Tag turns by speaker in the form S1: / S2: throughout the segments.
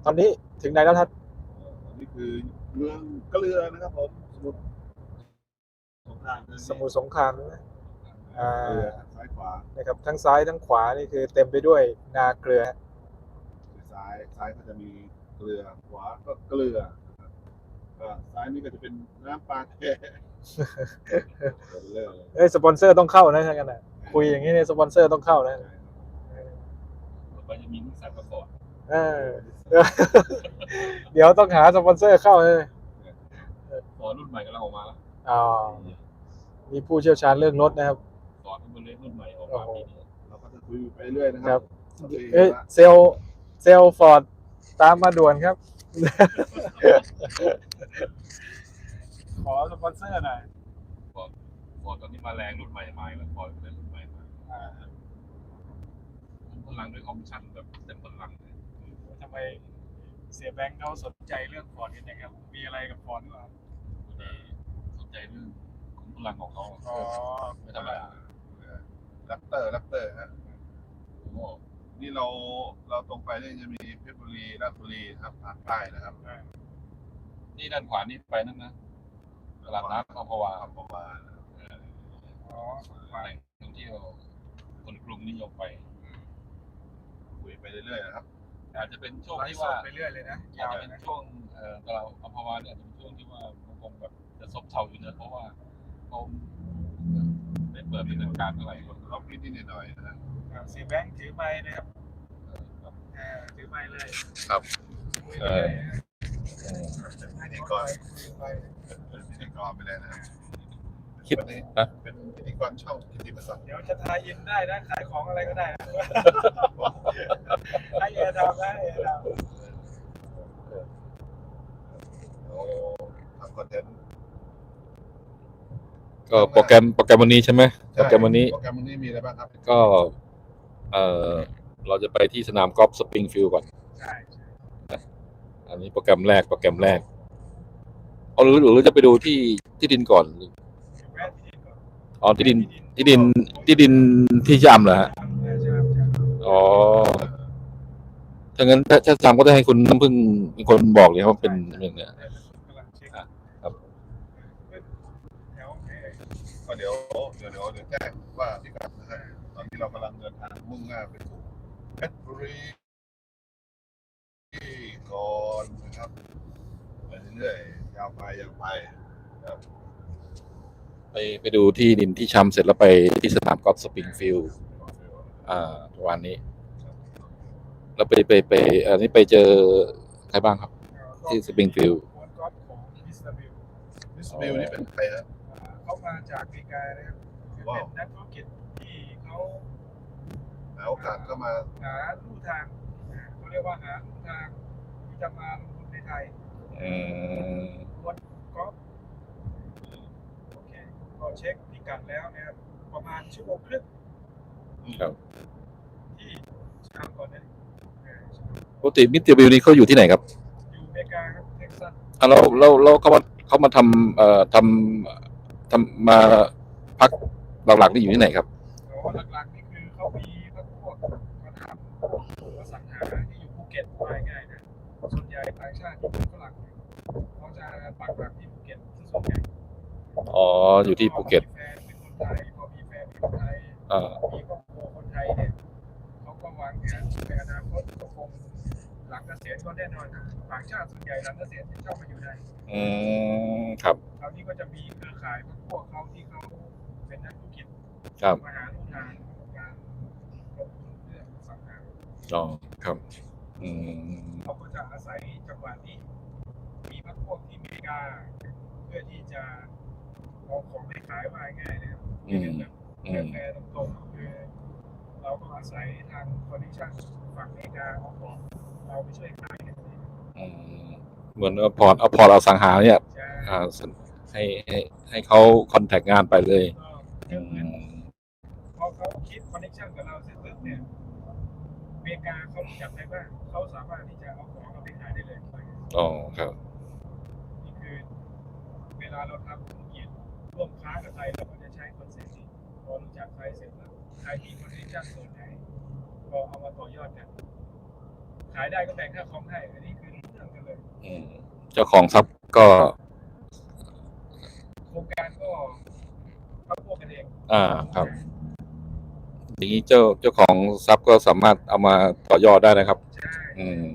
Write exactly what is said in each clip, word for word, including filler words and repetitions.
S1: ตอนนี้ถึงไหนแล้วท่าน
S2: นี่คือเมืองเกลือนะครับผมสมุทรสงคราม
S1: สมุทรสงครามใช่ไหมอ่า
S2: เกลือซ้ายขวา
S1: นะครับทั้งซ้ายทั้งขวานี่คือเต็มไปด้วยนาเกลือ
S2: คือซ้ายซ้ายก็จะมีเกลือขวาก็เกลือนะครับก็ซ้ายนี่ก็จะเป็นน้ำปลาแท้เลิศเลย
S1: เอ้ยสปอนเซอร์ต้องเข้านะใช่กันนะคุยอย่างนี้เนี่ยสปอนเซอร์ต้องเข้านะ
S3: มันจะมีนิสสันมาก่อน
S1: เออ เดี๋ยวต้องหาสปอนเซอร์เข้าเลย
S3: ฟอร์ดรุ่นใหม่กำลังออกมาแล้ว
S1: อ๋อมีผู้เชี่ยวชาญเรื่องรถนะครับ
S3: ฟอร์ดเป็นเล็กรุ่นใหม่ออกมาปีนี้
S2: เราก็จะคุยไปเรื่อยนะค
S1: ครั
S2: รับ บ
S1: เอ้ยเซลเซลฟอร์ดตามมาด่วนครับ ขอสปอนเซอร์หน่อย
S3: ฟอร์ดฟอร์ดตอนนี้มาแรงรุ่นใหม่มาแล้วฟอร์ดเป็นรุ่นใหม่มาพลังด้วยออปชั่นแบบเต็มพลังเลย
S1: ทำไมเสียแบงค์เขาสนใจเรื่องฟอร์ดกันอย่างครับมีอะไรกับฟอร์ดหรือเปล่า
S3: สนใจเรื่องของพลังของเขา
S1: อ๋อ
S3: ไม่ธรรมดา
S2: แรปเตอร์แรปเตอร์ฮะ
S3: โอ้โห
S2: นี่เราเราตรงไปนี่จะมีเพชรบุรีราชบุรีครับทางใต้นะครับ
S3: นี่ด้านขวานี่ไปนั่นนะตลาดน้ำอัมพวา
S2: อัมพวา
S1: อ๋อ
S3: แหล่งท่องเที่ยวคนกรุงนิยมไป
S2: คุยไปเรื่อยๆนะครับ
S3: อาจจะเป็นช่วง
S1: ไล
S3: ที่
S1: ฟ์ส
S3: ว่า
S1: ดไปเรื่อยเลยนะ
S3: อาจ
S1: ยาว
S3: จะ
S1: เล
S3: เป็
S1: ย
S3: น
S1: นะ
S3: ช่วงเอ่อตลาดอัมพวาเนี่ยอาจจะเป็นช่วงที่ว่ามันคงแบบจะซบเซาอยู่นะเพราะว่าเขาไม่เปิดดำเนินการเท่าไหร่คน
S2: ล็อกนิดๆหน่อยๆนะครับ
S1: เสียแบงค์ถือไม้นะครับอ่าถือไม้เลย
S3: ครับเออ
S2: พิธีกรเป็นพิธีกรไปเลยนะ
S3: คิด
S2: วันนี้
S3: นะ
S2: เป็นพิธีกรช่องกิติมศักดิ์
S1: เดี๋ยวจะทายอินได้นะขายของอะไรก็ได้นะให้แอร์ดาวนะแอร์ดาว
S2: โอ้ทำคอนเทนต์
S3: ก็โปรแกรมโปรแกรมวันนี้ใช่ไหมโปรแกรมวันนี้
S2: โปรแกรมวันนี้มีอะไรบ้างครับ
S3: ก็เออเราจะไปที่สนามกอล์ฟสปริงฟิลด์ก่อน
S1: ใช่ใช่
S3: อันนี้โปรแกรมแรกโปรแกรมแรกเอาหรือหรือจะไปดูที่ที่ดินก่อน
S1: แวะที่ดินก่อน
S3: อ๋อที่ดินที่ดินที่ดินที่ยามเหรอฮะ
S1: ใช่ใช่ใช่
S3: อ๋อถ้างั้นถ้าถ้าจำก็จะให้คุณน้ำพึ่งเป็นคนบอกเลยว่าเป็นอย่างเนี้ย
S1: กำลังเช็ค
S3: ครับ
S1: แถวไหน
S2: ก็เดี๋ยวเดี๋ยวเดี๋ยวเดี๋ยวแจ้งว่าพิกัดนะฮะตอนนี้เรากำลังเดินทางมุ่งหน้าไปสู่เพชรบุรีก่อนนะครับไปเรื่อยๆยาวไปยาวไปครับ
S3: ไปไปดูที่ดินที่ช้ำเสร็จแล้วไปที่สนามกอล์ฟสปริงฟิลด์อ่าประมาณนี้ แล้วไปไปไปอันนี้ไปเจอใครบ้างครับ ที่สปริงฟิลด์
S1: กวนกอล์ฟของมิสเตอร์บิล
S2: มิสบิลนี่เป็นใครฮะ
S1: เขามาจากอเมริกานะครับคือเป็นนักธุรกิจที่เขา
S2: หาโอกาสก็มา
S1: หาลู่ทางอ่าเขาเรียกว่าหาลู่ทางที่จะมาลงทุนในไทย
S3: อืม
S1: กวนกอล์ฟโอเคก็เช็คพิกัดแล้วนะครับประมาณชั่วโมงครึ่ง
S3: ครับ
S1: ที่ชามก่อนนะเออชาม
S3: ปกติมิสเตอร์บิลนี่เขาอยู่ที่ไหนครับ
S1: อยู่อเมริกาครับเท็กซัส
S3: อ่ะเราเราเราเขามาเขามาทำเอ่อทำทำมาพักหลักๆนี่อยู่ที่ไหนครับ
S1: แต่ว่าหลักๆนี่คือเขามีพวกพวกมาทำอสังหาที่อยู่ภูเก็ตว่าง่ายๆนะส่วนใหญ่ต่างชาติที่เป็นฝรั่งเนี่ยเขาจะปักหลักที่ภูเก็ตที่ส่วนใหญ่
S3: อ๋ออยู่ที่ภูเก็ต
S1: พอมีแฟนเป็นคนไทยพอมีแฟนเป็นคนไทย
S3: อ่า
S1: มีครอบครัวคนไทยเนี่ยเขาก็วางแผนในอนาคตก็คงหลังเกษียณก็แน่นอนนะต่างชาติส่วนใหญ่หลังเกษียณจะชอบมาอยู่ไทย
S3: อืมครับ
S1: คราวนี้ก็จะมีเครือข่ายพวกเขาที่เขาเป็นนักธุรกิจ
S3: ครับ
S1: มาหาลู่ทางของการลงทุนเรื่องอสังหา
S3: อ๋อครับอืม
S1: เขาก็จะอาศัยจังหวะนี้มีพรรคพวกที่อเมริกา เพื่อที่จะเอาของไปขายว่าง่ายๆนะครับ
S3: อืม
S1: แบบ
S3: อืม
S1: แฟร์ๆตรงๆคือเราก็อาศัยทางคอนดิชั่นฝั่งอเมริกาเอาของเราไปช่วยขายกันเอง
S3: อืมเหมือนเอาพอร์ตเอาพอร์ตเอาสังหาเนี่ย
S1: ใช่
S3: อ่าให้ให้ให้เขาคอนแทคงานไปเลย
S1: ก็
S3: อื
S1: คือเหมือน
S3: ม
S1: พอเขาคิดคอนเนคชั่นกับเราเสร็จปุ๊บเนี่ยอเมริกาเขารู้จักได้ว่าเขาสามารถที่จะเอาของเราไปขายได้เลย
S3: อ๋อครับ
S1: นี่คือเวลาเราทำธุรกิจร่วมค้ากับใครเราก็จะใช้คอนเซ็ปต์นี้พอรู้จักใครเสร็จแล้วใครมีคอนเนคชั่นส่วนไหนก็เอามาต่อยอดกันใครขายได้ก็แบ่งค่าคอมให้อันนี้คือเรื่องกันเลย
S3: อืมเจ้าของทรัพย์ก็
S1: โครงการก็เขาพวกกันเอง
S3: อ่าครับอย่างนี้เจ้าเจ้าของทรัพย์ก็สามารถเอามาต่อยอดได้นะครับ
S1: ใช่
S3: อืม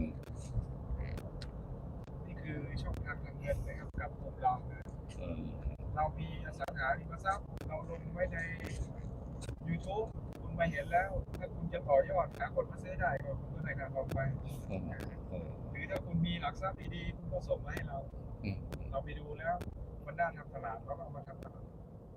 S1: นี่คือช่องทางทางเงินนะครับกับกลุ่มเรานะ
S3: อืม
S1: เรามีอสังหาริมทรัพย์เราลงไว้ใน YouTube คุณมาเห็นแล้ว ถ้าคุณจะต่อยอดหาคนมาซื้อได้ก็คุณก็ได้การออกไป
S3: อืมอืม
S1: หรือถ้าคุณมีหลักทรัพย์ดีๆคุณก็ส่งมาให้เรา
S3: อืม
S1: เราไปดูแล้วมันน่าทำตลาดเราก็เอามาทำตลาด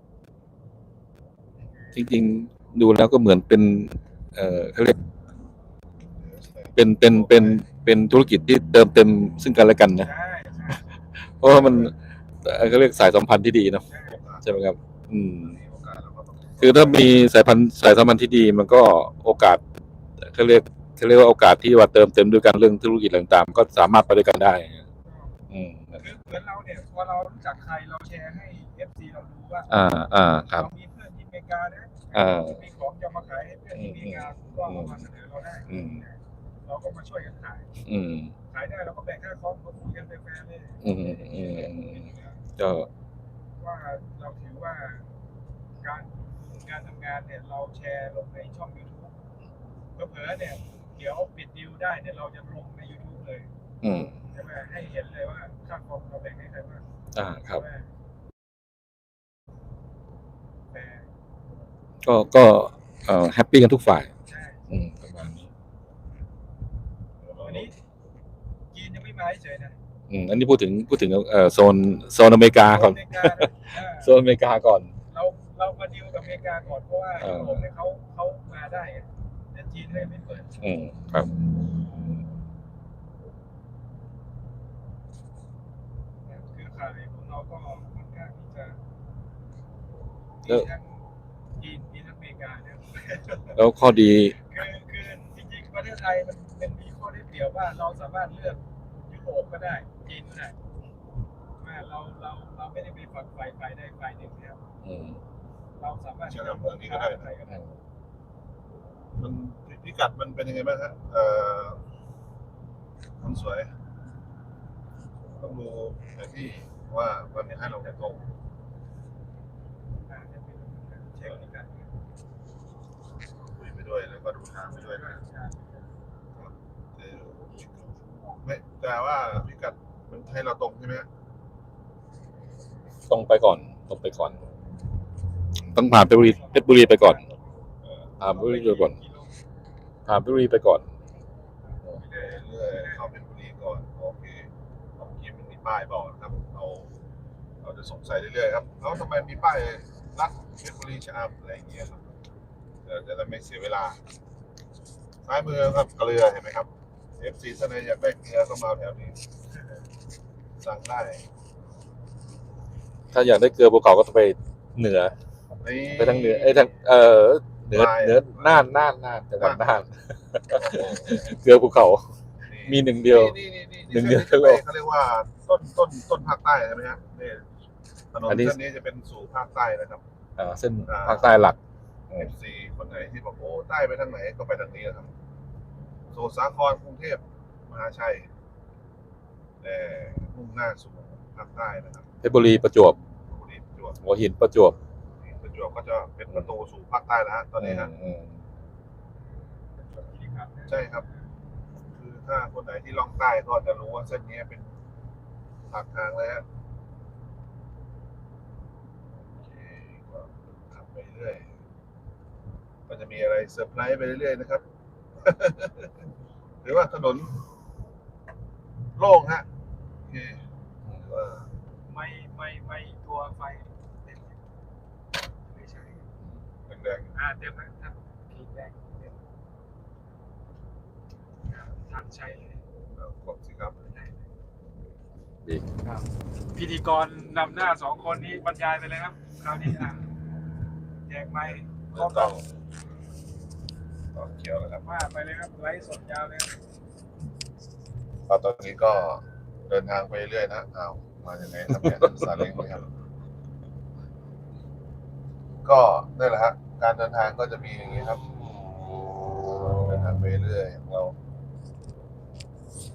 S3: จริงๆดูแล้วก็เหมือนเป็น เอ่อเขาเรียกเป็นเป็นเป็นเป็นธุรกิจที่เติมเต็มซึ่งกันและกันนะ
S1: ใช่ใช่
S3: เพราะว่ามันเอ่อเขาเรียกสายสัมพันธ์ที่ดีเนาะ
S1: ใช่
S3: ใช่ไหมครับ อืม
S2: มีโอกาสเราก็ต้อง
S3: คือถ้ามีสายพันธุ์สายสัมพันธ์ที่ดี มันก็โอกาสเขาเรียกเขาเรียกว่าโอกาสที่ว่าเติมเต็มด้วยกันเรื่องธุรกิจต่างๆก็สามารถไปด้วยกันได้ อืม
S1: คือเหมือนเราเนี่ยพอเรารู้จักใครเราแชร์ให้ เอฟ ซี เราดูว่า
S3: อ่าอ่าครับ
S1: เรามีเพื่อนที่อเมริกานะ
S3: อ่า
S1: มีของจะมาขายให้เพื่อนที่อเมริกาคุณก็เอามาเสนอเราได้
S3: อืม
S1: เราก็มาช่วยกันขาย
S3: อืม
S1: ขายได้เราก็แบ่งค่าคอมก็คุยกันแฟร์ๆเลย
S3: อืมอืมอืมก็
S1: ว่าเราถือว่าการการทำงานเนี่ยเราแชร์ลงในช่อง YouTube เผลอๆเนี่ยเดี๋ยวปิดดีลได้เนี่ยเราจะลงใน YouTube เลย
S3: อืม
S1: ใช่ไหมให้เห็นเลยว่าค่าคอมเราแบ่งให้ใครบ้าง
S3: อ่าครับ
S1: ใช่ไหมแต่
S3: ก็ก็เอ่อแฮปปี้กันทุกฝ่าย
S1: ใช่
S3: อืมประมาณนี้
S1: วันนี้จีนยังไม่มาเฉยๆนะ
S3: อืมอันนี้พูดถึงพูดถึงเอ่อโซนโซนอเมริกาก่อน
S1: อเมริกานะเออ
S3: โซนอเมริกาก่อน
S1: เราเรามาดีลกับอเมริกาก่อนเพราะว่า
S3: เออ
S1: ยุโรปเนี่ยเขาเขามาได้ไงแต่จีนเลยไม่เปิด
S3: อืมครับ
S1: เครือข่ายของเราก็ค่อนข้างที่จะ
S3: แล้
S1: มี
S3: ว
S1: ทั้งจีนมีทั้งอเมริกาเนี่ย
S3: แล้วข้อดี
S1: คือคือจริงๆประเทศไทยมันเป็นมีข้อได้เปรียบว่าเราสามารถเลือกยุโรปก็ได้จีนก็ได้ว่าเราเราเราไม่ได้ไปฝักฝ่ายฝ่ายใดฝ่ายหนึ่งนะครับ
S3: อืม
S1: เราสามารถ
S2: เชื่อมเมืองนี้ก็ได้
S1: ใครก็ได้
S2: มันพิกัดมันเป็นยังไงบ้างฮะเอ่อคนสวยต้องดูแผนที่ว่ามันให้เราตรง
S1: อ่าจะเป็นเช็คพิกัด
S2: คุยไปด้วยแล้วก็ดูทางไปด้วยนะเออไม่แต่ว่าพิกัดมันให้เราตรงใช่ไหมฮะ
S3: ตรงไปก่อนตรงไปก่อน ต้องผ่านเพชรบุรีเพชรบุรีไปก่อนผ่านเพชรบุรีไปก่อนผ่านเพชรบุรีไปก่อน
S2: เรื่อยๆเข้าเป็นบุรีก่อนโอเคเมื่อกี้มันมีป้ายบอกนะครับเราเราจะสงสัยเรื่อยๆครับเอ้าทำไมมีป้ายรัดเพชรบุรีชะอำอะไรอย่างเงี้ยครับเดี๋ยวจะได้ไม่เสียเวลาซ้ายมือครับเกลือเห็นไหมครับ เอฟ ซี ท่านใดอยากได้เกลือก็มาแถวนี้สั่งได้
S3: ถ้าอยากได้เกลือภูเขาก็ต้องไปเหนือ
S2: นี่
S3: ไปทางเหนือไอ้ยทางเอ่อเหนือ
S2: ปลาย
S3: เหนือน่านน่านน่านจังหวัดน่านเกลือภูเขา มีหนึ่งเดียว
S2: นี่นี่นี่
S3: หนึ่งเดียว
S2: ส้นนี้เขาเรียกว่าต้นต้นต้นภาคใต้ใช่ไหมฮะนี่ถนน
S3: อันนี้
S2: เส้นนี้จะเป็นสู่ภาคใต้นะครับ
S3: อ่าเส้นภาคใต้หลัก
S2: เอฟซีคนไหนที่บอกโอ้ใต้ไปทางไหนก็ไปทางนี้นะครับสมุทรสาครกรุงเทพมหาชัยแต่มุ่งหน้าสู่ภาคใต้นะครับ
S3: เพชรบุรีประจวบ
S2: บุรีประจวบ
S3: หัวหินประจวบ
S2: ประจวบก็จะเป็นประตูสู่ภาคใต้แล้วฮะตอนนี้ฮะ
S3: อืม
S2: ใช่ครับ คือถ้าคนไหนที่ล่องใต้ก็จะรู้ว่าเส้นนี้เป็นปากทางเลยฮะโอเคก็ขับไปเรื่อยก็จะมีอะไรเซอร์ไพรส์ไปเรื่อยๆนะครับ หรือว่าถนนโล่งฮะโอเคหรือว่า
S1: ไม่ไม่ไม่ตัวไฟเต็มไม่ใช่
S2: แดง
S1: อ่าเต็มแล้วครับขีดแดงเต็มทางใช้เลย
S2: ๆแล้วกดสิครับ
S3: ดี
S1: ครับพิธีกรนำหน้าสองคนนี้บรรยายไปเลยครับคราวนี้อ่ะแจกไมค์
S2: เริ่มต้องต่อเขียวแล้วครับ
S1: ว่าไปเลยครับไลฟ์สดยาวเลยครับ
S2: ตอนนี้ก็เดินทางไปเรื่อยนะอ้าวมาอย่างไรครับเนี่ยซาเล้งไหมครับ ก็นั่นแหละฮะการเดินทางก็จะมีอย่างนี้ครับเดินทางไปเรื่อยของเรา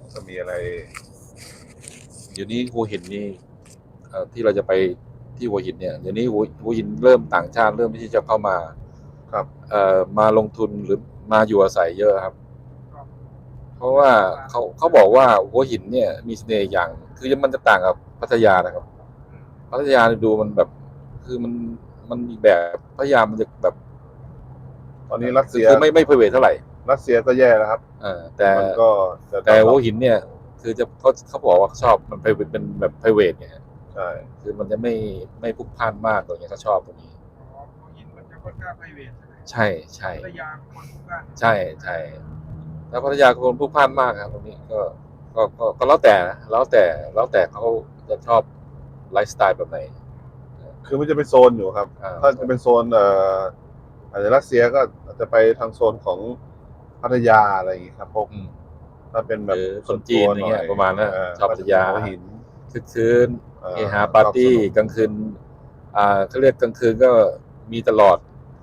S2: จะมีอะไร
S3: เดี๋ยวนี้หัวหินนี่เอ่อที่เราจะไปที่หัวหินเนี่ยเดี๋ยวนี้หัวหัวหินเริ่มต่างชาติเริ่มที่จะเข้ามา
S2: ครับ
S3: เอ่อมาลงทุนหรือมาอยู่อาศัยเยอะครับ เพราะว่าเขาเขาบอกว่าหัวหินเนี่ยมีเสน่ห์อย่าง คือมันจะต่างกับพัทยานะครับ พัทยาดูมันแบบ คือมันมันอีกแบบพัทยามันจะแบบ
S2: ตอนนี้รัสเซีย
S3: คือไม่ไม่เพเวทเท่าไหร่
S2: รัสเซียก็แย่แล้วครับ
S3: เออแต่
S2: มันก็จะ
S3: แต่หัวหินเนี่ย คือจะเขาเขาบอกว่าชอบมันไปเป็นแบบเพเวทไง
S2: ใช่
S3: คือมันจะไม่ไม่พลุกพล่านมากอะไรเงี้ยเขาชอบตรงนี้
S1: อ๋อหัวหินมันจะค่อนข้างไพรเวทใช่ไหม
S3: ใช่ใช่
S1: พัทยาคนทุกบ้าน
S3: ใช่ใช่แล้วพัทยาคนพลุกพล่านมากครับตรงนี้ก็ก็ก็ก็แล้วแต่นะแล้วแต่แล้วแต่เขาจะชอบไลฟ์สไตล์แบบไหน
S2: คือมันจะเป็นโซนอยู่ครับ
S3: อ่า
S2: ถ้าจะเป็นโซนเอ่ออาจจะรัสเซียก็อาจจะไปทางโซนของพัทยาอะไรอย่างงี้ครับพวก
S3: อืม
S2: ถ้าเป็นแบบ
S3: หรือคนจีนอะไรเงี้ย
S2: ส่วตัวห
S3: ประมาณนั้น
S2: เ
S3: ชอบพัทยา
S2: หัวหิน
S3: คึกคืน
S2: เอ่อ
S3: เฮฮาปาร์ตี้
S2: ชอบสนุก
S3: กลางคืนอ่าเขาเรียกกลางคืนก็มีตลอด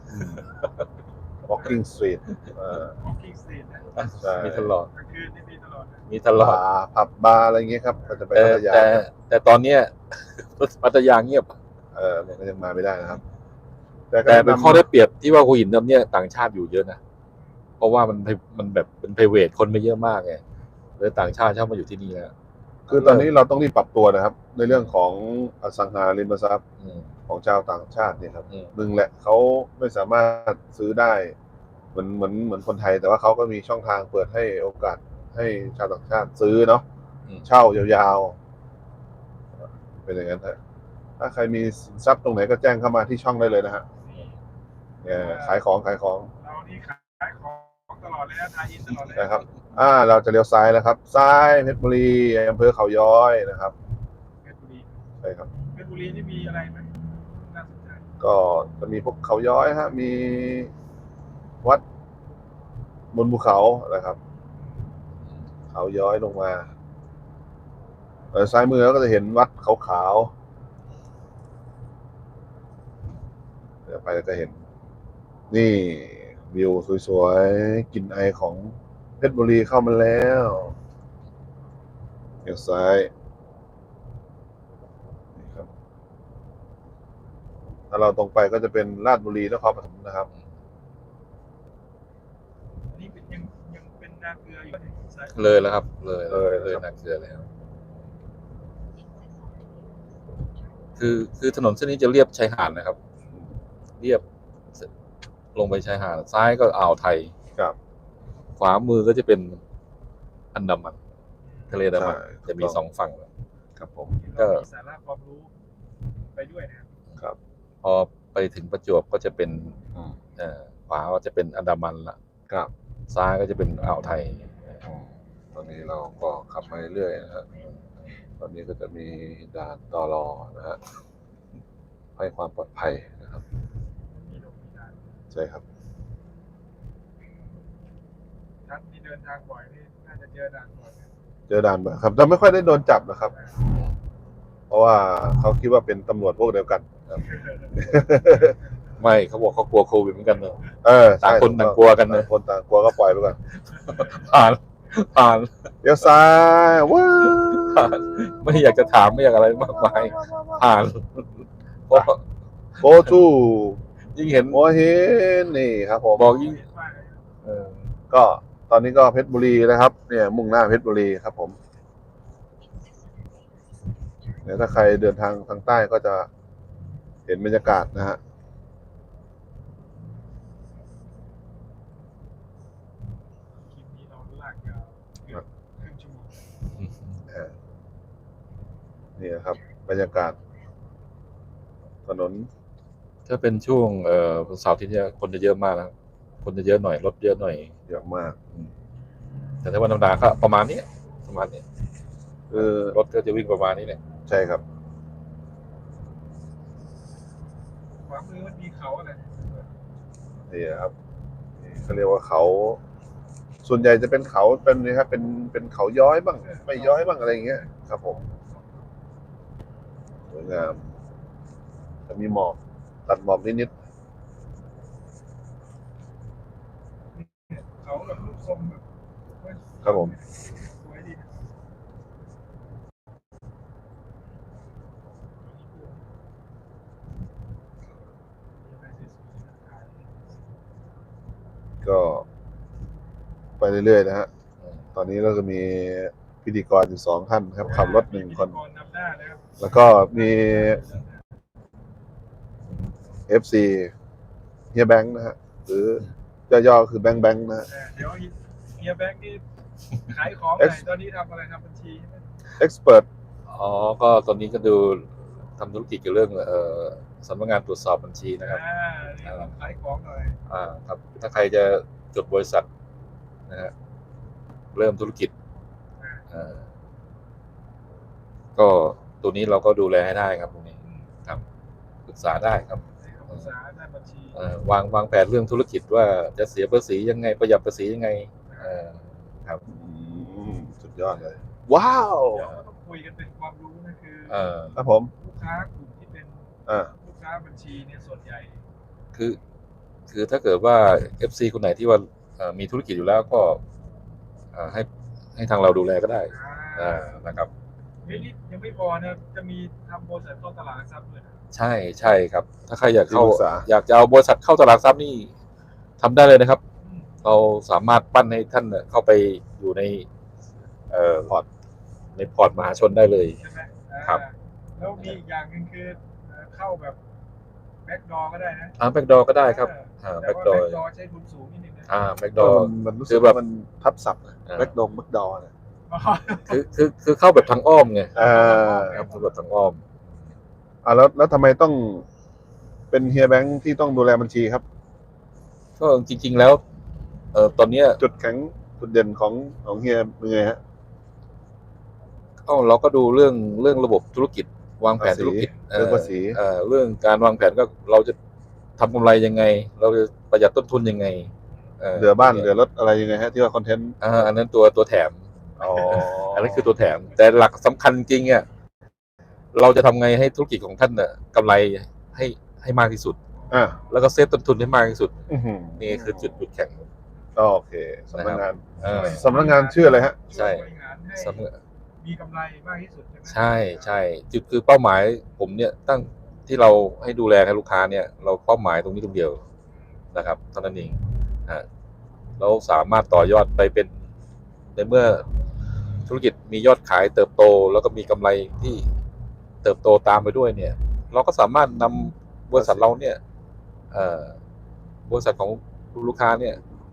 S2: walking street เอ่อ
S1: ของคิงสตรีทนะ
S2: ใช่
S3: มีตลอด
S1: กลางคืนนี่มีตลอดนะ
S3: มีตลอด
S2: บาร์ผับบาร์อะไรอย่างเงี้ยครับก็จะไป
S3: แต่
S2: พัทยา
S3: แต่แต่ตอนเนี้ย พัทยาเงียบ
S2: เออมันก็ยังมาไม่ได้นะครับ แต่ก็
S3: แต่เป็น
S2: นำ
S3: ข้อได้เปรียบที่ว่าหัวหินเนี่ยต่างชาติอยู่เยอะนะ เพราะว่ามันมันแบบเป็นไพรเวทคนไม่เยอะมากไงเลยต่างชาติชอบมาอยู่ที่นี่แล้ว
S2: คือตอนนี้เราต้องรีบปรับตัวนะครับ ในเรื่องของอสังหาริมทรัพย์
S3: อืม
S2: ของชาวต่างชาติเนี่ยครับ
S3: อืม
S2: หนึ่งแหละเขาไม่สามารถซื้อได้เหมือนเหมือนเหมือนคนไทย แต่ว่าเขาก็มีช่องทางเปิดให้โอกาสให้ชาวต่างชาติซื้อเนาะ
S3: อืม
S2: เช่ายาวๆเป็นอย่างนั้นฮะถ้าใครมีสินทรัพย์ตรงไหนก็แจ้งเข้ามาที่ช่องได้เลยนะฮะ
S1: นี่
S2: เนี่ยขายของขายของ
S1: เรานี่ขายของตลอดเลยนะทายอินตลอดเลย
S2: นะครับ อ่าเราจะเลี้ยวซ้ายแล้วครับ ซ้ายเพชรบุรีอำเภอเขาย้อยนะครับ
S1: เพชรบุรี
S2: ใช่ครับ
S1: เพชรบุรีนี่มีอะไรไหมน่าสนใจ
S2: ก็จะมีพวกเขาย้อยฮะมีวัดบนภูเขานะครับ เขาย้อยลงมาเออซ้ายมือเราก็จะเห็นวัดขาวๆเดี๋ยวไปแล้วก็เห็น นี่วิวสวยๆกลิ่นไอของเพชรบุรีเข้ามาแล้วเลี้ยวซ้ายนี่ครับถ้าเราตรงไปก็จะเป็นราชบุรีนครปฐมนะครับ
S1: อันนี้เป็นยังยังเป็นนาเกลืออยู่ในสาย
S3: เลยแล้วครับ เลย
S2: เลย
S3: เลย
S2: ครับ
S3: นักเสือแล้ว คือคือถนนเส้นนี้จะเรียบชายหาดนะครับ เรียบลงไปชายหาดซ้ายก็อ่าวไทย
S2: ครับ
S3: ขวามือก็จะเป็นอันดามันทะเลอันดามัน
S2: ใช่
S3: จะมีสองฝั่ง
S2: ครับผม
S1: เรามีสาระความรู้ไปด้วยนะครับ
S2: ครับ
S3: พอไปถึงประจวบก็จะเป็น
S2: อืม
S3: เอ่อขวาก็จะเป็นอันดามันละ
S2: ครับ
S3: ซ้ายก็จะเป็นอ่าวไทย
S2: อืมตอนนี้เราก็ขับมาเรื่อยๆนะฮะตอนนี้ก็จะมีด่านตลอนะฮะให้ความปลอดภัยนะครับ
S1: มีลงมีด่าน
S2: ใช่ครับ
S1: ท่านที่เดินทางบ่อยนี่น่าจะเจอด่านบ่อยนะ
S2: เจอด่านบ่อยครับแต่ไม่ค่อยได้โดนจับนะครับ เพราะว่าเขาคิดว่าเป็นตำรวจพวกเดียวกันครับ
S3: ไม่เขาบอกเขากลัวโควิดเหมือนกันเนอะ
S2: เออใช่
S3: ต่างคนต่างกลัวกันนะ
S2: ต่างคนต่างกลัวก็ปล่อยไปก่อน
S3: ผ่านผ่าน
S2: เลี้ยวซ้ายว้าว
S3: ผ่านไม่อยากจะถามไม่อยากอะไรมากมายผ่านเพราะ
S2: โบทู
S3: ยิ่งเห็น
S2: หัวหินนี่ครับผม
S3: บอกยิ่ง
S1: เห็นว่าอะไรนะ
S2: เออก็ตอนนี้ก็เพชรบุรีนะครับ เนี่ย มุ่งหน้าเพชรบุรีครับผมเดี๋ยวถ้าใครเดินทางทางใต้ก็จะเห็นบรรยากาศนะฮะ
S1: คลิปนี้เราลากยาวเกือบครึ่งชั่วโมง
S2: อ่านี่นะครับ บรรยากาศ ถนน
S3: ถ้าเป็นช่วงเอ่อเสาร์อาที่นี้ยคนจะเยอะมากนะครับคนจะเยอะหน่อยรถเยอะหน่อย
S2: เยอะมาก
S3: แต่ถ้าวันธรรมดาก็ประมาณนี้ประมาณนี้
S2: คือ
S3: รถก็จะวิ่งประมาณนี้แหละ
S2: ใช่ครับ
S1: ขวามือมันมีเขาอะไร
S2: นี่นะครับนี่เขาเรียกว่าเขา ส่วนใหญ่จะเป็นเขาเป็นนะครับ เป็นเป็นเขาย้อยบ้าง ไม่ย้อยบ้างอะไรอย่างเงี้ยครับผมสวยงามจะมีหมอกตัดหมอกนิด
S1: เขาแบบรูปทรงแบบ
S2: ครับผม
S1: สวยดีนะ
S2: ๆก็ไปเรื่อยๆนะฮะตอนนี้เราจะมีพิธีกรอยู่สองท่านครับขับรถหนึ่งคน
S1: พิธีกรนำหน้านะครับ
S2: แล้วก็มี เอฟ ซี เฮียแบงค์นะฮะหรือย่อๆคือแบงค์แบงค์นะฮะ
S1: เออเดี๋ยวเฮียแบงค์นี่ขายของไหนตอนนี้ทำอะไรทำบัญชีใช่ไหม
S2: expert
S3: อ๋อก็ตอนนี้ก็ดูทำธุรกิจเกี่ยวกับเรื่องเอ่อสำนักงานตรวจสอบบัญชีนะครับ
S1: อ่านี่ลองขายของหน่อย
S3: อ่าครับถ้าใครจะจดบริษัทนะฮะเริ่มธุรกิจ
S1: อ่า
S3: อ่าก็ตัวนี้เราก็ดูแลให้ได้ครับตรงนี้ครับปรึกษาได้ครับ
S1: ให้คำปรึกษาด้านบัญชี
S3: เอ่อวางวางแผนเรื่องธุรกิจว่าจะเสียภาษียังไงประหยัดภาษียังไงเอ่อครับ
S2: อืมสุดยอดเลย ว้าว
S1: เดี๋ยวเราต้องคุยกันเป็นความรู้นะคือ
S3: เอ่อ
S2: ครับผม
S1: ลูกค้ากลุ่มที่เป็น
S2: อ่า
S1: ลูกค้าบัญชีเนี่ยส่วนใหญ่
S3: คือคือถ้าเกิดว่า เอฟ ซี คนไหนที่ว่าเอ่อมีธุรกิจอยู่แล้วก็เอ่อให้ให้ทางเราดูแลก็ได้
S1: อ่า
S3: อ่านะครับ
S1: เฮ้ยนี่ยังไม่พอนะจะมีทำบริษัทเข้าตลาดหลักทรัพย์ด้วยนะ
S3: ใช่ใช่ครับ ถ้าใครอยากเข้า
S2: ที่ปรึกษา
S3: อยากจะเอาบริษัทเข้าตลาดหลักทรัพย์นี่ทำได้เลยนะครับ
S1: อืม
S3: เราสามารถปั้นให้ท่านเนี่ยเข้าไปอยู่ในเอ่อพอร์ตในพอร์ตมหาชนได้เลย
S1: ใช่ไหมอ่า
S3: ครับ
S1: แล้วมีอีกอย่างหนึ่งคือเอ่อเข้าแบบแบ็กดอก็ได้นะ
S3: อ่าแบ็กดอก็ได้ครับ อ่า
S1: แต่
S3: แบ็ก
S1: ว่า
S3: ดอ
S1: แบ็กดอใช้ทุนสูงนิดนึงนะ
S3: อ่าแบ็กด
S2: ก็
S3: อ
S2: มันมันรู้
S3: คื
S2: สึก
S3: อแบบ
S2: ว่ามันทับศัพท์
S3: อ่า
S2: แบ็กดงแบ็กดอเนี่ย
S3: คือคือคือเข้าแบบทางอ้อมไง
S2: อ่า
S3: ครับเข้าแบบทางอ้อม
S2: อ่าแล้วแล้วทำไมต้องเป็นเฮียแบงค์ที่ต้องดูแลบัญชีครับ
S3: ก็จริง ๆแล้วเอ่อตอนเนี้ย
S2: จุดแข็งจุดเด่นของของเฮียเป็นไงฮะ
S3: เอ้าเราก็ดูเรื่องเรื่องระบบธุรกิจ วางแผน
S2: ภาษี
S3: ธุรกิจ
S2: เรื่องภาษี
S3: เอ่อเรื่องการวางแผนก็เราจะทำกำไรยังไง เราจะประหยัดต้นทุนยังไง
S2: เหลือบ้านเหลือรถอะไรยังไงฮะที่ว่าคอนเทนต์
S3: อ่าอันนั้นตัวตัวแถม
S2: อ๋อ
S3: อันนั้นคือตัวแถม แต่หลักสำคัญจริงๆอ่ะเราจะทำไงให้ธุรกิจของท่านน่ะกำไรให้ให้มากที่สุด
S2: อ่ะ
S3: แล้วก็เซฟต้นทุนให้มากที่สุด
S2: อื้อหือ
S3: นี่คือจุดจุดแข็ง
S2: โอเคสำนักงาน
S3: เออ
S2: สำนักงานชื่ออะไรฮะ
S3: ใช่
S1: บริหารให้
S3: สำนัก
S1: มีกำไรมากที่สุดใช่ไหม
S3: ใช่ใช่จุดคือเป้าหมายผมเนี่ยตั้งที่เราให้ดูแลให้ลูกค้าเนี่ย เราเป้าหมายตรงนี้ตรงเดียวนะครับเท่านั้นเองอ่าเราสามารถต่อยอดไปเป็นในเมื่อธุรกิจมียอดขายเติบโต แล้วก็มีกำไรที่เติบโตตามไปด้วยเนี่ย เราก็สามารถนำบริษัทเราเนี่ยเอ่อบริษัทของลูกค้าเนี่ย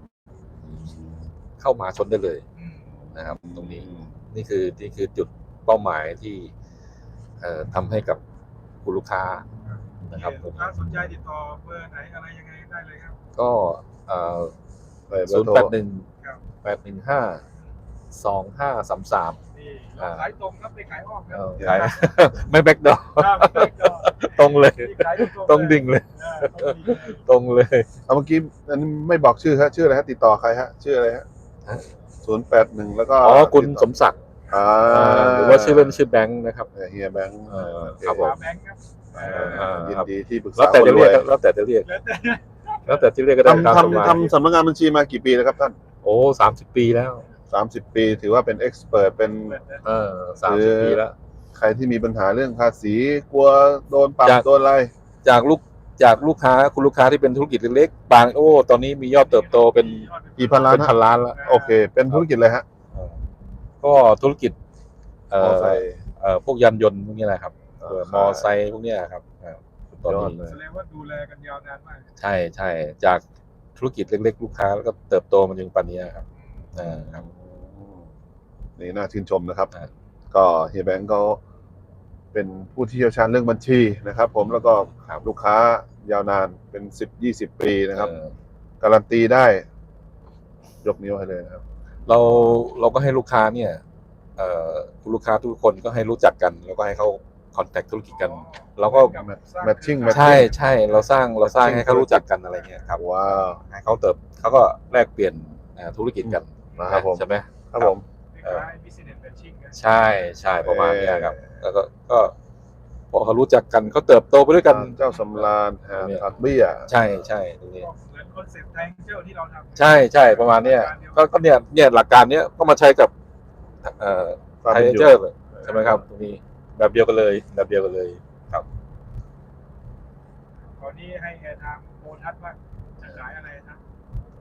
S3: เข้ามาชนได้เลย
S1: อืม
S3: นะครับ ตรงนี้ นี่คือนี่คือจุดเป้าหมายที่เอ่อทำให้กับคุณลูกค้านะครับ
S1: ลูกค้าสนใจติดต่อเบอร์ไหนอะไรยังไงได้เลยครับ
S3: ก็เอ่อ
S2: เปิดเบอ
S3: ศู
S2: ร์
S3: นย์
S2: โทร
S3: แปดหนึ่ง
S1: ครับ
S3: แปดหนึ่งห้าสองห้าสามสาม
S1: นี่เราขายตรงครับไปขายอ้อมครับ
S3: ขาย ไม่แบ็กดอ
S1: ครับแบ็คดอร์
S3: ตรงเลย
S1: นี่ขายตรงๆ
S3: ตรงดิ่งเลย
S1: อ่าตรงดิ่งเลย
S3: ตรงเลย
S2: เอาเมื่อกี้อันนี้ไม่บอกชื่อฮะชื่ออะไรฮะติดต่อใครฮะชื่ออะไรฮะ
S3: ฮะ
S2: ศูนย์แปดหนึ่งแล้วก็
S3: อ๋อคุณ
S2: ติด
S3: ส
S2: ต่อ
S3: มศักดิ์
S2: อ่า
S3: อ่าหรือว่าชื่อเล่นชื่อแบงค์นะครับ
S2: เฮียแบงค์
S3: เออครับผม
S1: แบงค์ครับ
S2: อ่า
S3: อ่า
S2: ยินดีที่ปรึกษา
S3: แล้วแต่
S2: คน
S3: จะ
S2: ร
S3: เรี
S2: วย ย
S3: กแล้วแต่จะเรียก
S1: แล้วแต่
S3: แล้วแต่ที่เรียกก็ได้ตาม
S2: ทำ
S3: สบาย
S2: ทำทำสำนักงานบัญชีมากี่ปีแล้วครับท่าน
S3: โอ้สามสิบปีแล้ว
S2: สามสิบปีถือว่าเป็นเอ็กซ์เพรสเป็น
S3: เออสามสิบปีแล้ว
S2: ใครที่มีปัญหาเรื่องภาษีกลัวโดนปรับ
S3: จาก
S2: โดนอะไร
S3: จากลูกจากลูกค้าคุณลูกค้าที่เป็นธุรกิจเล็กๆบางโอ้ตอนนี้มียอดเติบโตเป็น
S2: กี่พันล้าน
S3: เป็นพันล้านแล้ว
S2: โอเค เป็นธุรกิจเลยฮะ
S3: เออก็ธุรกิจเอ่
S2: มอ
S3: อ
S2: ไซค์
S3: เอ่อพวกยานยนต์พวกนี้แหละครับ
S2: อ่า
S3: เออมอไซค์พวกเนี้ยครับเออตอน
S2: ยอด
S3: นี้
S2: เลย
S1: แสดงว่าดูแลกันยาวนานมาก
S3: ใช่ใช่จากธุรกิจเล็กๆ ลูกค้าแล้วก็เติบโตมาถึงปัจจุบันนี้ครับเออครับ
S2: นี่น่าชื่นชมนะครับ
S3: ครับ
S2: ก็เฮียแบงก์เขาเป็นผู้ที่เชี่ยวชาญเรื่องบัญชีนะครับ ผมแล้วก็
S3: ครับ
S2: ลูกค้ายาวนานเป็นสิบยี่สิบปีนะครับ
S3: เออ
S2: การันตีได้ ยกนิ้วให้เลยนะครับ
S3: เราเราก็ให้ลูกค้าเนี่ยเอ่อคุณลูกค้าทุกคนก็ให้รู้จักกัน แล้วก็ให้เขาคอนแทคธุรกิจกัน เราก็
S2: แมทชิ่ง
S3: ใช่ใช่เราสร้างเราสร้างให้เขารู้จักกันอะไรเงี้ยครับ
S2: ว้าว
S3: ให้เขาเติบเขาก็แลกเปลี่ยนเอ่อธุรกิจกัน
S2: นะครับผม
S3: ใช่ไหม
S2: ครับผม
S1: คล้ายๆ business matching นะ
S3: ใช่ใช่ประมาณเนี้ยครับ แล้วก็ก็พอเขารู้จักกันเขาเติบโตไปด้วยกัน
S2: เจ้าสำราญแฮมผักเบี้ย
S3: ใช่ใช่ตรงนี้
S1: ก็เหมือนคอนเซ็ปต์แทงเจลที่เราทำ
S3: ใช่ใช่ประมาณเนี้ยก็ก็เนี่ยเนี่ยหลักการเนี้ยก็มาใช้กับเอ่อ
S2: ความ
S3: ไท
S2: เป็น
S3: ย
S2: อยู่
S3: เจอร์ใช่ไหมครับตรงนี้แบบเดียวกันเลยแบบเดียวกันเลยครับ
S1: ตอนนี้ให้แอร์ไทม์โบทัสว่าจะขายอะไรนะ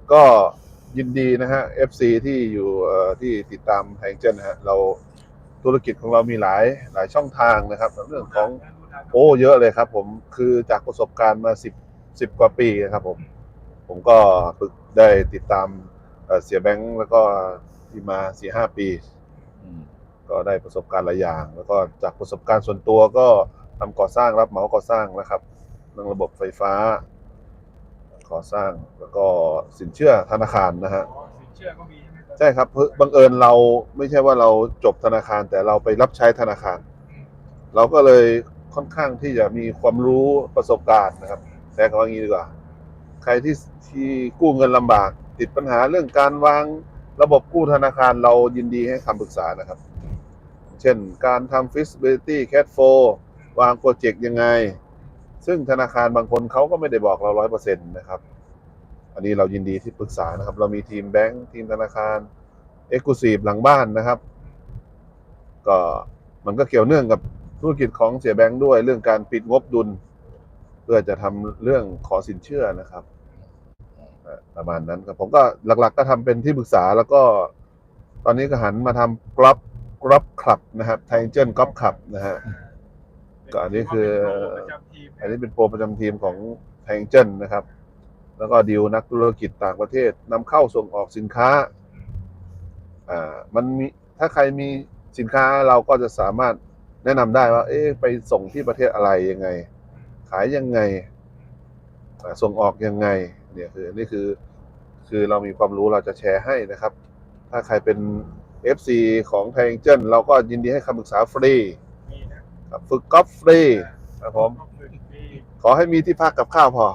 S2: ก็ยินดีนะฮะ เอฟ ซี ที่อยู่เอ่อที่ติดตามแฮงเจนนะฮะเราธุรกิจของเรามีหลายหลายช่องทางนะครับเรื่องของโอ้เยอะเลยครับผมคือจากประสบการณ์มาสิบสิบกว่าปีนะครับผมผมก็ฝึกได้ติดตามเอ่อเสียแบงค์แล้วก็ที่มาสี่ห้าปี
S3: อืม
S2: ก็ได้ประสบการณ์หลายอย่าง แล้วก็จากประสบการณ์ส่วนตัวก็ทำก่อสร้างรับเหมาก่อสร้างนะครับเรื่องระบบไฟฟ้าก่อสร้างแล้วก็สินเชื่อธนาคารนะฮะ
S1: อ๋อสินเชื่อก็มีใช่ไหมครับ
S2: ใช่ครับเพิ่งบังเอิญเราไม่ใช่ว่าเราจบธนาคารแต่เราไปรับใช้ธนาคาร
S1: อืม
S2: เราก็เลยค่อนข้างที่จะมีความรู้ประสบการณ์นะครับใช้คำว่างี้ดีกว่า ใครที่ที่กู้เงินลำบาก ติดปัญหาเรื่องการวางระบบกู้ธนาคารเรายินดีให้คำปรึกษานะครับ เช่นการทำ feasibility cash flow วางโปรเจกต์ยังไง ซึ่งธนาคารบางคนเขาก็ไม่ได้บอกเรา ร้อยเปอร์เซ็นต์ นะครับ อันนี้เรายินดีที่ปรึกษานะครับ เรามีทีมแบงค์ทีมธนาคาร Exclusive หลังบ้านนะครับ ก็มันก็เกี่ยวเนื่องกับธุรกิจของเสียแบงค์ด้วยเรื่องการปิดงบดุล เพื่อจะทำเรื่องขอสินเชื่อนะครับอ่ะประมาณนั้นครับผมก็หลักๆก็ทำเป็นที่ปรึกษาแล้วก็ ตอนนี้ก็หันมาทำกรอบกรอบคลับนะครับไทเจนกรอบคลับนะฮะ ก็อันนี้คือ อันนี้เป็นโปรประจำทีมของไทเจนนะครับ แล้วก็ดีลนักธุรกิจต่างประเทศนำเข้าส่งออกสินค้าอ่ามันมีถ้าใครมีสินค้าเราก็จะสามารถแนะนำได้ว่า เอ๊ะไปส่งที่ประเทศอะไรยังไง ขายยังไงอ่าส่งออกยังไงเนี่ยคือนี่คือคือเรามีความรู้เราจะแชร์ให้นะครับ ถ้าใครเป็น เอฟ ซี ของไทเจนเราก็ยินดีให้คำปรึกษาฟรี
S1: มีนะครับ
S2: ฝึกกอล์ฟฟรีครับผม
S1: ก็คือมี
S2: ขอให้มีที่พักกับข้าวพอ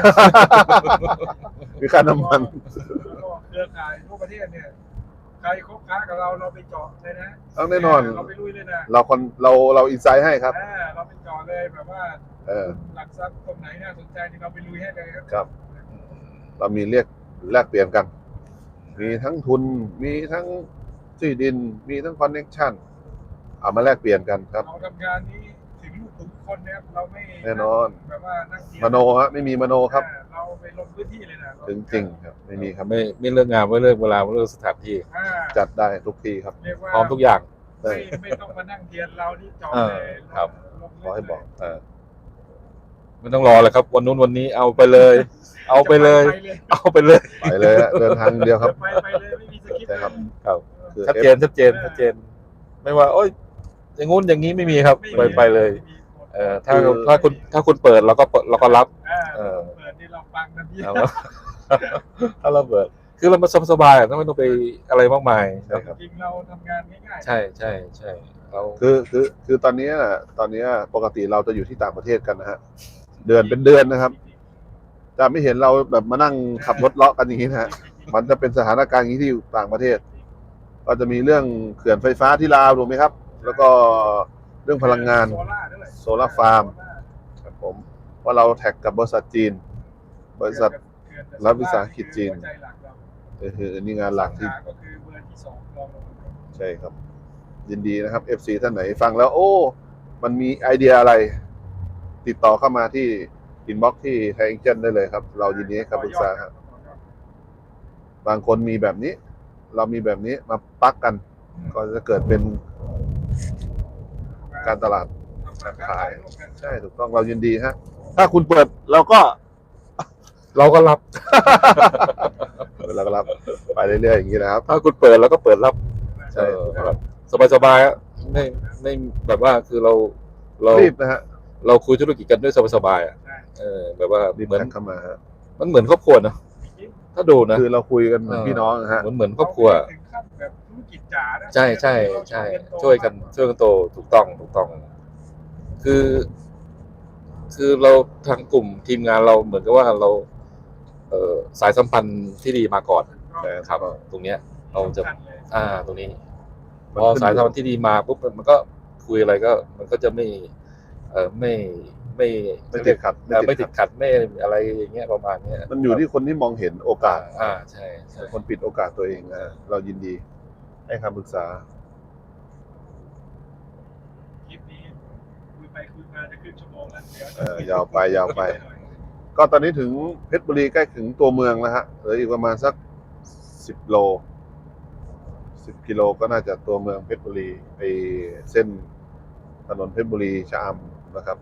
S2: มีค่าน้ำมัน
S1: แล้วก็เครือข่ายทั่วประเทศเนี่ยใครคบค้ากับเราเราไปเจาะเลยนะ
S2: ต้องแน่นอน
S1: เราไปลุยเลยนะ
S2: เราคนเราเราอินไซต์ให้ครับ
S1: อ่าเราไปเจาะเลยแบบว่า
S2: เออ
S1: หลักทรัพย์ตรงไหนน่าสนใจนี่เราไปลุยให้เลยครับ
S2: ครับ เรามีเรียกแลกเปลี่ยนกัน มีทั้งทุน มีทั้งที่ดิน มีทั้งคอนเน็กชันเอามาแลกเปลี่ยนกันครับ
S1: เราทำงานนี้ถึงลูกถึงคนนะครับเราไม่
S2: แน่นอน
S1: แบบว่านั่งเทีย
S2: มโนฮะไม่มีมโนครับ
S1: อ่าเราไปลงพื้นที่เลยนะ
S2: ถึงจริงครับ ไม่มีครับ
S3: ไม่ไม่เรื่องงานไม่เรื่องเวลาไม่เรื่องสถานที่
S1: อ่า
S2: จัดได้ทุกที่ครับ
S1: เรียกว่า
S3: พร้อมทุกอย่าง
S2: ได้
S1: ไม่ไม่ต้องมานั่งเทียนเราที่เจาะ
S3: เออ
S1: เลย
S3: ครับ
S1: ลง
S2: ขอให้บอกเออ
S3: ไม่ต้องรอเลยครับ วันนู้นวันนี้เอาไปเลย เอาไปเลย
S1: จะไปเลย
S3: เอาไปเลย
S2: ไปเลยฮะเดินทางเดียวครับ
S1: ไปไปเลยไม่มีสคริปต์
S2: ใช่ครับ
S3: ครับ
S2: คือ
S3: ชัดเจนชัดเจนชัดเจน ไม่ว่า โอ้ยอย่างงู้นอย่างนี้ไม่มีครับ ไปไปเลย เออถ้าถ้าคุณถ้าคุณเปิดเราก็เปิดเราก็รับ
S1: อ่า
S3: เออ
S1: เปิดนี่เราฟังทันที
S3: เอาถ้าเราเปิด คือเรามาสบายๆอ่ะไม่ต้องไปอะไรมากมาย
S2: ใช่ครับ
S1: จริงเราทำงานง่ายๆ
S3: ใช่ใช่ใช่เรา
S2: คือคือคือตอนนี้น่ะตอนนี้ปกติเราจะอยู่ที่ต่างประเทศกันนะฮะ เดือนเป็นเดือนนะครับ จะไม่เห็นเราแบบมานั่งขับรถเลาะกันอย่างนี้นะฮะ มันจะเป็นสถานการณ์อย่างนี้ที่อยู่ต่างประเทศ ก็จะมีเรื่องเขื่อนไฟฟ้าที่ลาวถูกไหมครับ แล้วก็เรื่องพลังงาน
S1: โซล่าด้วย
S2: โซล่าฟาร์ม ครับผมว่าเราแท็กกับบริษัทจีน บริษัท รัฐวิสาหกิจจีน
S1: หัวใจหลักเรา
S2: เออคือนี่งานหลักที่
S1: ก็คือเบอร์ที่สองรองลงมา
S2: ใช่ครับ ยินดีนะครับ เอฟ ซี ท่านไหนฟังแล้ว โอ้ มันมีไอเดียอะไร ติดต่อเข้ามาที่อินบ็อกที่ไทยเอ็กเจนได้เลยครับ เรายินดีให้คำปรึกษาครับ บางคนมีแบบนี้ เรามีแบบนี้มาปักกัน ก็จะเกิดเป็นการตลาดการขาย ใช่ถูกต้องเรายินดีฮะ ถ้าคุณเปิดเราก็
S3: เราก็รับ
S2: เราก็รับไปเรื่อยๆอย่างนี้นะครับ
S3: ถ้าคุณเปิดเราก็เปิดรับ
S2: ใช่
S3: เออแบบสบายๆอ่ะไม่ไม่แบบว่าคือเราเรา
S2: รีบนะฮะ
S3: เราคุยธุรกิจกันด้วยสบายๆอ่ะ
S1: ใช่
S3: เออแบบว่า
S2: รีบ
S3: เหมือน
S2: แท็กเข้ามาฮะ
S3: มันเหมือนครอบครัวนะถ้าดูนะ
S2: คือเราคุยกันเหมือนพี่น้องนะฮะ
S3: เหมือนเหมือนครอบครัว
S1: ถึงขั้นแบบธุรกิจจ๋านะ
S3: ใช่ใช่ใช่ช่วยกันช่วยกันโตถูกต้องถูกต้อง คือ คือเราทางกลุ่มทีมงานเราเหมือนกับว่าเรา เอ่อสายสัมพันธ์ที่ดีมาก่อน
S2: ใช่
S3: ครับ ตรงเนี้ย เราจะ
S1: สำคัญเลย
S3: อ่า ตรงนี้ พ
S2: มัน
S3: อ
S2: ขึ้น
S3: สายสัมพันธ์ที่ดีมาปุ๊บมันก็คุยอะไรก็ มันก็จะไม่ เออไม่ไม่
S2: ไม่ติดขัด
S3: เอ่อไม่ติดขัดไม่อะไรอย่างเงี้ยประมาณเนี้ย
S2: มันอยู่ที่คนที่มองเห็นโอกาส
S3: อ่าใช่ใช่
S2: คนปิดโอกาสตัวเองนะเรายินดีให้คำปรึกษา
S1: คลิปนี้คุยไปคุยมาจะครึ่งชั่วโมงแล้วเดี๋ยว
S2: เออยาวไปยาวไปก็ตอนนี้ถึงเพชรบุรีใกล้ถึงตัวเมืองแล้วฮะเหลืออีกประมาณสักสิบโลสิบกิโลก็น่าจะตัวเมืองเพชรบุรีไปเส้นถนนเพชรบุรีชะอำนะครับ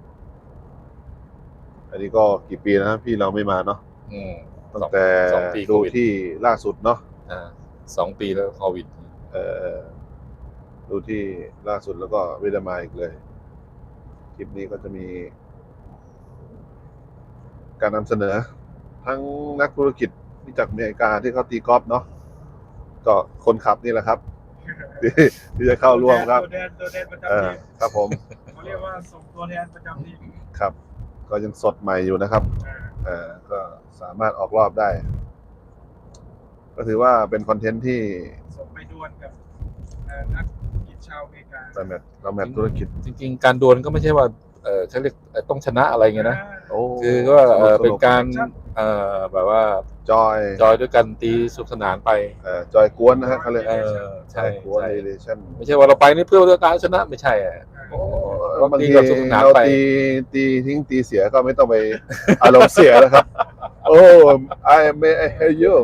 S2: อันนี้ก็กี่ปีนะพี่เราไม่มาเนาะ
S3: อืม
S2: ตั้งแต่
S3: สองปีโค
S2: ดู
S3: วิด
S2: ที่ล่าสุดเนาะ
S3: อ่าสองปีแล้วโควิด
S2: เอ่อดูที่ล่าสุดแล้วก็ไม่ได้มาอีกเลย คลิปนี้ก็จะมี การนำเสนอ ทั้งนักธุรกิจที่จากอเมริกาที่เขาตีกอล์ฟเนาะก็คนขับนี่แหละครับ ที่ที่จะเข้าร่วมครับ
S1: ตัวแทนตัวแทนประจำ
S2: เออ
S1: ทีม
S2: ครับผม
S1: เขาเรียกว่าส่งตัวแทนประจำทีม
S2: ครับ ก็ยังสดใหม่อยู่นะครับ
S1: อ่า
S2: เอ่อก็สามารถออกรอบได้ ก็ถือว่าเป็นคอนเทนต์ที่
S1: ส่งไปดวลกับเอ่อนักกิจชาวอเมริกา
S2: เราแมทเราแมทธุรกิจ
S3: จริงๆ การดวลก็ไม่ใช่ว่าเออเขาเรียกเอ่อต้องชนะอะไรเงี้ยนะ
S2: โอ้
S3: คือก็เอ่อ
S2: ส
S3: เป็น
S2: นุก
S3: การเอ่อแบบว่า
S2: จอย
S3: จอยด้วยกันตีสนุกสนานไป
S2: เอ่อจอยกวนนะฮะเขาเรียก
S3: เออ
S2: จ
S3: ใช่
S2: อยกวน
S3: ใช่
S2: เรเลชั่น
S3: ไม่ใช่ว่าเราไปนี่เพื่อเรื่องการชนะไม่ใช่อะ
S2: โอ้
S3: บางที
S2: บางที
S3: แบบสนุกสนาน
S2: เรา
S3: ไป
S2: ตีตีทิ้งตีเสียก็ไม่ต้องไป อารมณ์เสียแล้วครับ โอ้ I may I hear you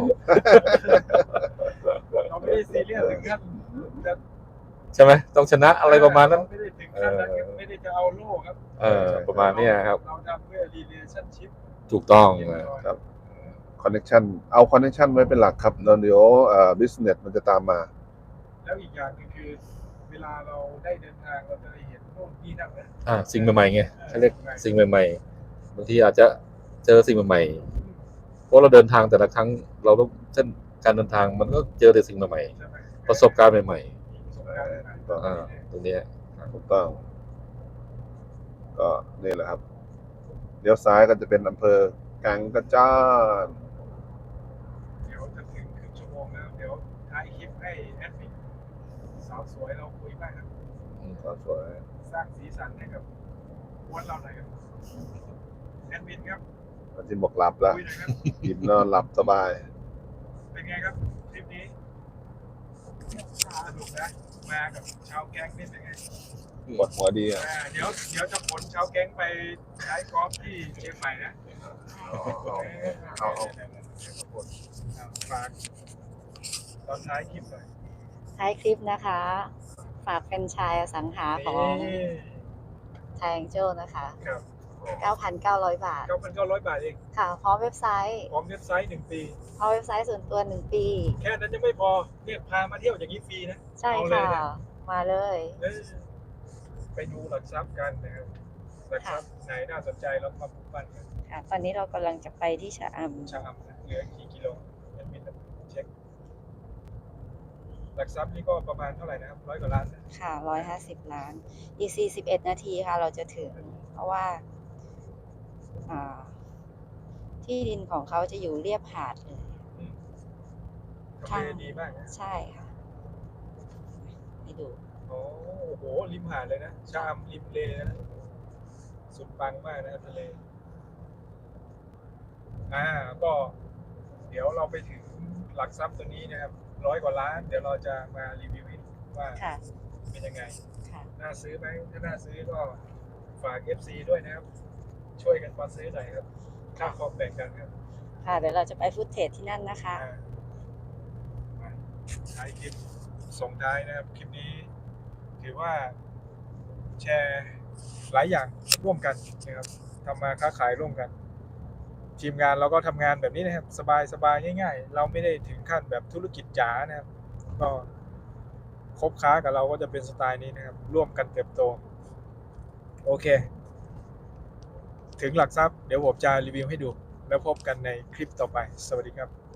S1: เราไม่ได้ซีเรียสถึงขั้นจะ
S3: ใช่ไหมต้องชนะอะไรประมาณนั้น
S1: เไม่ได้ถึงขั้นนั้นครับไม่ได้จะเอาโล่ครับ
S3: เออประมาณเนี้ยครับ
S1: เราทำเพื่อ relationship
S3: ถูกต้อง
S1: เรียบ
S3: นะ
S1: ร้อย
S2: ครับ คอนเน c t ชันเอาคอนเน c t ชันไว้เป็นหลักครับแล้วเดี๋ยวเอ่อ business มันจะตามมา
S1: แล้วอีกอย่างหนึงคือ เวลาเราได้เดินทางเราจะได้เห็นโน่นนี่นั่นนะ
S3: อ่าสิ่งใหม่ๆไงเขาเรียกสิ่งใหม่ๆบางทีอาจจะเจอสิ่งใหม่ๆเพราะเราเดินทางแต่ละครั้งเราต้องเส้นการเดินทางมันก็เจอแต่สิ่งใหม่
S1: ใช่ไหม
S3: ๆประสบการณ์ใหม่
S1: ประสบการณ์ใหม่
S2: เออ
S3: ๆอ่าตรงเนี้ย
S2: ถูกต้อง ก็นี่แหละครับเลี้ยวซ้ายก็จะเป็นอำเภอกังกระจาน
S1: เดี๋ยวจะถึงครึ่งชั่วโมงแล้วเดี๋ยวท้ายคลิปให้แอดมินสาวสวยเราคุยบ้างครับ
S2: ก็สวย
S1: สร้างสีสันให้กับวันเราหน่อยครับแอดมินครับ
S2: วันที่บอกหลับแล้ว
S1: คุยหน่อยครับ
S2: กินนอนหลับสบาย
S1: เป็นไงครับทริปนี้สนุกนะมากับชาวแก๊งนี่เป็นไง
S2: ปวดหัวดีอ่ะ
S1: อ่าเดี๋ยวเดี๋ยวจะขนชาวแก๊งไปใช้กอล์ฟที่เชียงใหม่นะ
S2: เอาเอา
S1: ฝากตอนท้ายคลิปหน่อย
S4: ท้ายคลิปนะคะ ฝากเป็นไชายอสังหาของ
S1: นี่
S4: ไทยแองเจลนะคะ
S1: ครับ
S4: เก้าพันเก้าร้อย บาท
S1: เก้าพันเก้าร้อยบาทเอง
S4: ค่ะ พร้อมเว็บไซต์
S1: พร้อมเว็บไซต์หนึ่งปี
S4: พร้อมเว็บไซต์ส่วนตัวหนึ่งปี
S1: แค่นั้นยังไม่พอเนี่ยพามาเที่ยวอย่างนี้ฟรีนะ
S4: ใช่
S1: เอาเลย
S4: ค่ะ
S1: นะ
S4: มาเลย
S1: เออไปดูหลักทรัพย์กันนะครับหลักทรัพย์ไหนน่าสนใจแล้วมาปลูกปั้นกัน
S4: ค่ะ ตอนนี้เรากำลังจะไปที่ชะอ
S1: ชาอัมนะเหลือกี่กิโลแอดมินเช็คหลักทรัพย์นี่ก็ประมาณเท่าไหร่นะครับร้อยกว่าล้านนะ
S4: ำค่ะร้อยห้าสิบล้าน อีกสี่สิบเอ็ดนาทีค่ะ เราจะถึง เพราะว่า อ่า ที่ดินของเขาจะอยู่เรียบหาดเลย
S1: อืม
S4: ค่ะ
S1: ทำเลดีมากนะ
S4: ใช่ค่ะให้ดู
S1: โอ้โหริมหาดเลยนะชาอัมริมเลนะสุดปังมากนะครับทะเลอ่าก็เดี๋ยวเราไปถึงหลักทรัพย์ตัวนี้นะครับร้อยกว่าล้าน เดี๋ยวเราจะมารีวิวให้ดูว่า
S4: ค่ะ
S1: เป็นยังไง
S4: ค่ะ
S1: น่าซื้อไหมถ้าน่าซื้อก็ฝาก เอฟ ซี ด้วยนะครับ ช่วยกันมาซื้อหน่อยครับค่าคอมแบ่งกันครับ
S4: ค่ะ เดี๋ยวเราจะไปฟุตเทจที่นั่นนะคะ
S1: อ่ามาท้ายคลิปส่งท้ายนะครับ คลิปนี้ ถือว่าแชร์หลายอย่างร่วมกันนะครับทำมาค้าขายร่วมกัน ทีมงานเราก็ทำงานแบบนี้นะครับ สบายสบายง่ายๆ เราไม่ได้ถึงขั้นแบบธุรกิจจ๋านะครับ ก็คบค้ากับเราก็จะเป็นสไตล์นี้นะครับ ร่วมกันเติบโต โอเค ถึงหลักทรัพย์เดี๋ยวผมจะรีวิวให้ดู แล้วพบกันในคลิปต่อไป สวัสดีครับ